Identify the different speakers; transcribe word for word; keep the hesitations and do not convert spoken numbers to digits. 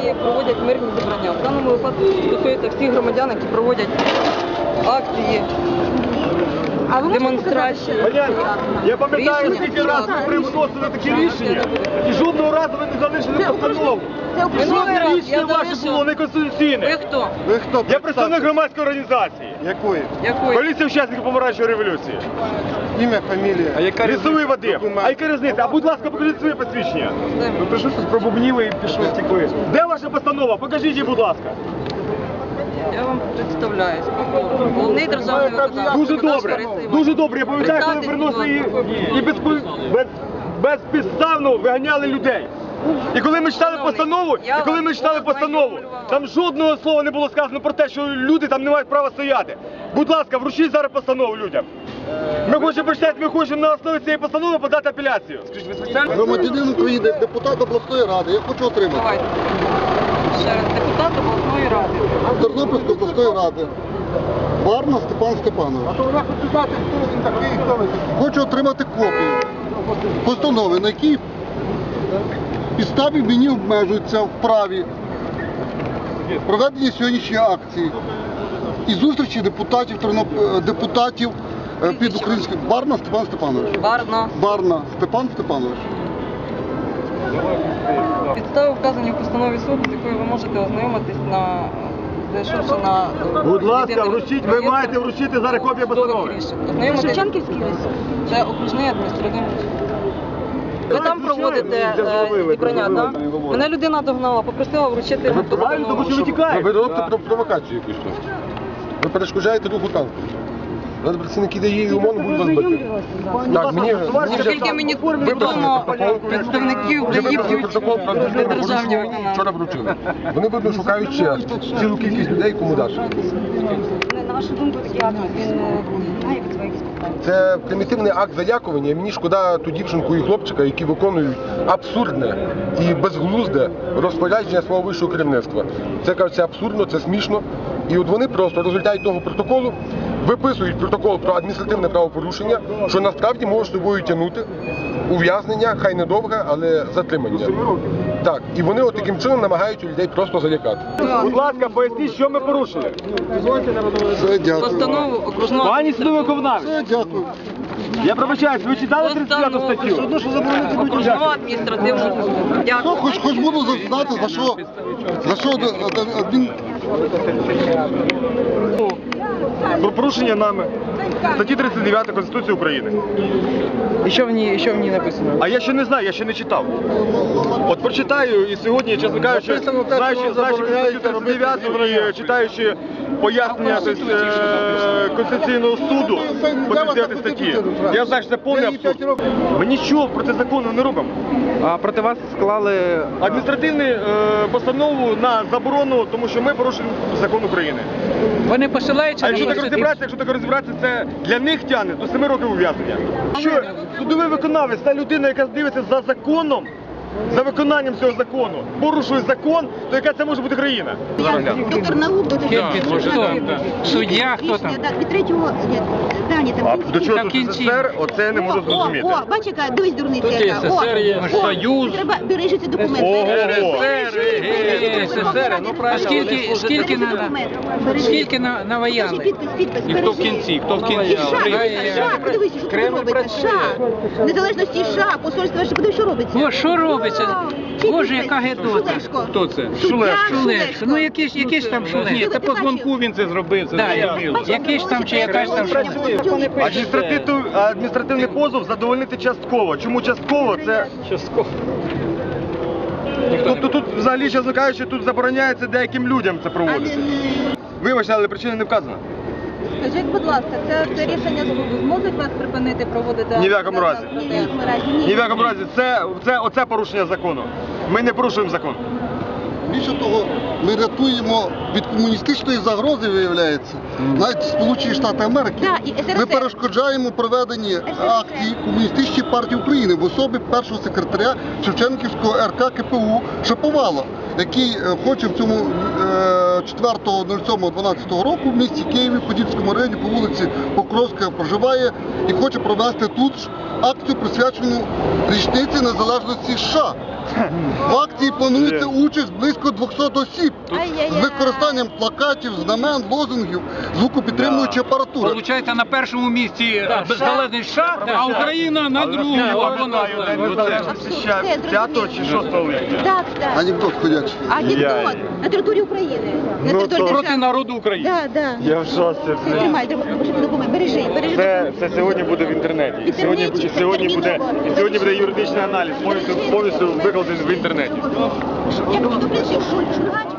Speaker 1: які проводять мирні зібрання. В даному випадку стосується всіх громадян, які проводять акції,
Speaker 2: А ви
Speaker 1: демонстрації.
Speaker 3: Я пам'ятаю, скільки разів ви приносили такі рішення, і жодного разу ви не залишили постанову. Жодне рішення ваше було неконституційне.
Speaker 1: Ви хто?
Speaker 3: Ви хто? Я представник громадської організації.
Speaker 4: Якої?
Speaker 1: Якої?
Speaker 3: Поліція учасників помаранчевої революції.
Speaker 4: Ім'я, фамілія.
Speaker 3: А яка Лісовий Вадим. А яка різниця? А будь ласка, покажіть своє посвідчення. Ви прийшли, пробубніли і пішли втекли. Де ваша постанова? Покажіть її, будь ласка.
Speaker 1: Я вам представляюсь. Головний державний виконавець.
Speaker 3: Дуже добре, дуже добре. Я пам'ятаю, коли ви приносили її і без, без, безпідставно виганяли людей. І коли ми читали постанову, і коли ми читали постанову, там жодного слова не було сказано про те, що люди там не мають права стояти. Будь ласка, вручіть зараз постанову людям. Ми хочемо прочитати, ми хочемо на основі цієї постанови подати апеляцію.
Speaker 4: Громадянин України, депутат обласної ради. Я хочу отримати.
Speaker 1: Давайте. Ще раз, депутат обласної ради.
Speaker 4: Тернопільської обласної ради. Барна Степан Степанович. Хочу отримати копію постанови, на якій підставі мені обмежуються в праві проведення сьогоднішньої акції і зустрічі депутатів, Терноп- депутатів е, під українським. Барна Степан Степанович.
Speaker 1: Барна.
Speaker 4: Барна Степан Степанович.
Speaker 1: Підстави вказані в постанові суду, з якою ви можете ознайомитись на зайшовши на
Speaker 3: Будь ласка, вручіть, ви маєте вручити зараз копію постанови.
Speaker 1: Це Шевченківський ліс? Це окружний адміністративний суд. Ви там проводите е, зібрання, так? Мене людина догнала, попросила вручити йому
Speaker 3: Правильно, тому що ви тікаєте.
Speaker 4: Ви робите провокацію якусь тут. Ви перешкоджаєте руху танку. Зараз працівники ДАІ і ОМОН будуть вас бити. Так, мені, мені вже...
Speaker 1: Наскільки мені відомо, представників ДАІ б'ють
Speaker 4: протокол про
Speaker 1: державні виконавці.
Speaker 4: вчора вручили. Вони, видно, шукають ще цілу кількість людей, кому дати.
Speaker 1: На вашу думку, такий акт, він має під свої якісь питання?
Speaker 4: Це примітивний акт залякування. Мені шкода ту дівчинку і хлопчика, які виконують абсурдне і безглузде розпорядження свого вищого керівництва. Це, кажуть, абсурдно, це смішно. І от вони просто в результаті того протоколу виписують протокол про адміністративне правопорушення, що насправді може собою тягнути ув'язнення, хай недовге, але затримання. Так, і вони от таким чином намагаються людей просто залякати.
Speaker 3: Будь ласка, поясніть, що ми порушили.
Speaker 4: Все, дякую.
Speaker 1: Постанову окружного
Speaker 3: Пані судовий виконавець,
Speaker 4: Все, дякую.
Speaker 3: я пробачаюсь, ви читали тридцять п'яту статтю?
Speaker 1: окружного адміністративного суду.
Speaker 4: Що,
Speaker 1: Дякую.
Speaker 4: хоч, хоч буду знати, за що, за що адмін...
Speaker 3: Про порушення нами статті тридцять дев'ять Конституції України.
Speaker 5: І що в ній, що в ній написано?
Speaker 3: А я ще не знаю, я ще не читав. От прочитаю і сьогодні, чесно кажучи,
Speaker 4: Написано те,
Speaker 3: знаючи,
Speaker 4: що
Speaker 3: знаючи
Speaker 4: забороняється
Speaker 3: статтю тридцять дев'ять, і читаючи пояснення тобто, е, Конституційного суду по тридцять дев'ятій статті, я знаю, що це повний абсурд. Ми нічого проти закону не робимо.
Speaker 5: А проти вас склали
Speaker 3: Адміністративну е, постанову на заборону, тому що ми порушуємо закон України.
Speaker 6: Вони посилаються
Speaker 3: А
Speaker 6: на
Speaker 3: якщо так
Speaker 6: Конституцію.
Speaker 3: розібратися, якщо так розібратися, це для них тягне до семи років ув'язнення. Що судовий виконавець, та людина, яка дивиться за законом, за виконанням цього закону, порушує закон, то яка це може бути країна?
Speaker 7: Доктор наук, доктор
Speaker 6: Суддя, хто там?
Speaker 7: Так, від третього, ні, да, ні, там.
Speaker 3: А до чого
Speaker 6: Там
Speaker 3: тут
Speaker 6: кінці.
Speaker 3: СССР, оце не можу
Speaker 7: О,
Speaker 3: зрозуміти.
Speaker 7: о, бач, яка, дивись, дурниця яка. О, о,
Speaker 6: Союз.
Speaker 7: Треба, бережи ці документи.
Speaker 3: Ого.
Speaker 7: Бережи, бережи,
Speaker 6: СССР, ну правильно. Скільки, скільки
Speaker 7: Бережи
Speaker 6: на,
Speaker 7: документи. Бережи.
Speaker 6: скільки на,
Speaker 7: Скажи,
Speaker 6: наваяли?
Speaker 7: підпис, підпис,
Speaker 6: І хто в
Speaker 7: бережи.
Speaker 6: кінці, хто в кінці?
Speaker 7: І США, США, подивись, що тут робиться, США, незалежності США, посольство, подивись, що робиться.
Speaker 6: О, що робиться?
Speaker 7: Чий
Speaker 6: Боже,
Speaker 7: підпис?
Speaker 6: яка гидота.
Speaker 7: Шулешко.
Speaker 3: Хто це?
Speaker 7: Суддя
Speaker 6: Шулешко. Ну якийсь, якийсь там Шулешко.
Speaker 7: Ні, це по дзвонку
Speaker 3: він це зробив,
Speaker 6: Да, якийсь там чи якась там Шулешко.
Speaker 3: Адміністративний, адміністративний позов задовольнити частково. Чому частково? Це частково. Тобто тут взагалі, чесно кажучи, тут забороняється деяким людям це проводити. Вибачте, але причина не вказана.
Speaker 2: Скажіть, будь ласка, це, це рішення суду зможуть вас припинити проводити?
Speaker 3: Ні в якому разі.
Speaker 7: Ні, в якому разі, ні.
Speaker 3: Ні в якому разі. Це, це, оце порушення закону. Ми не порушуємо закон.
Speaker 4: Більше того, ми рятуємо від комуністичної загрози, виявляється, навіть Сполучені Штати Америки.
Speaker 7: Да, і ес ер ес.
Speaker 4: Ми перешкоджаємо проведенні акції Комуністичної партії України в особі першого секретаря Шевченківського ер ка ке пе у Шаповала, який е, хоче в цьому е, четвертого сьомого дванадцятого року в місті Києві, в Подільському районі, по вулиці Покровська проживає і хоче провести тут ж акцію, присвячену річниці незалежності США.
Speaker 8: В акції планується участь близько двохсот осіб
Speaker 7: Ай-яй-яй.
Speaker 8: з використанням плакатів, знамен, лозунгів, звукопідтримуючої апаратури.
Speaker 6: Получається, на першому місці беззалежний США, а Україна на другому. Або на
Speaker 3: п'ятого чи шостого липня.
Speaker 7: Так, так.
Speaker 8: Анекдот ходячий.
Speaker 7: Анекдот на території України. На
Speaker 3: Ну,
Speaker 7: території
Speaker 3: то-
Speaker 6: проти
Speaker 7: держави.
Speaker 6: народу України.
Speaker 7: Да, да.
Speaker 3: Я в шоці. блін.
Speaker 7: Тримай, треба пошити документ. Бережи, бережи.
Speaker 3: Це, це сьогодні буде в інтернеті. І сьогодні,
Speaker 7: інтернеті,
Speaker 3: і сьогодні буде,
Speaker 7: терміново.
Speaker 3: і сьогодні буде юридичний аналіз, повністю, повністю викладений в інтернеті.
Speaker 7: Я просто, в принципі, шуль, шульгач,